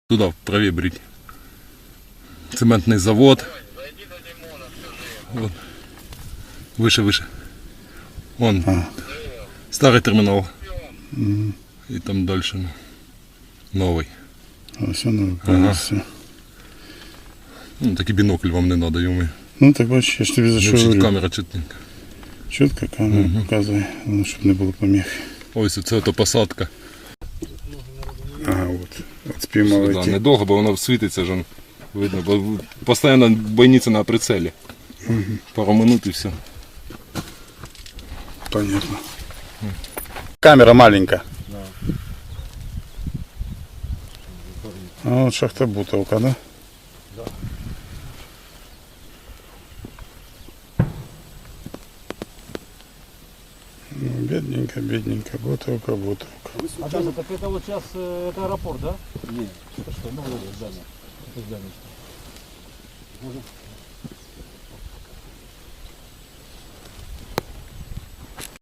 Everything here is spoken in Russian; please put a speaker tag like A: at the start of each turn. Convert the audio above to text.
A: Туда, правее брить. Цементный завод. Вот. Выше, выше. Вон. Старый терминал. И там дальше новый.
B: Все новый.
A: Ну, такий бінокль вам не надо, йому.
B: Ну так бачиш, я ж тобі за що говорю.
A: Камера чітненька.
B: Чітко камера показує, щоб не було поміх.
A: Ось це ото посадка.
B: Ага, от спіймали.
A: Да, недовго, бо воно світиться ж, видно, бо постійно бойниця на прицелі. Пару минут і все.
B: Понятно. Камера маленькая. Да. А вот шахтобутовка, да?
A: Да.
B: Ну, бедненько, бедненько, бутовка, бутовка.
C: А даже так это вот сейчас это аэропорт, да? Нет. Это что, ну здание. Это здание.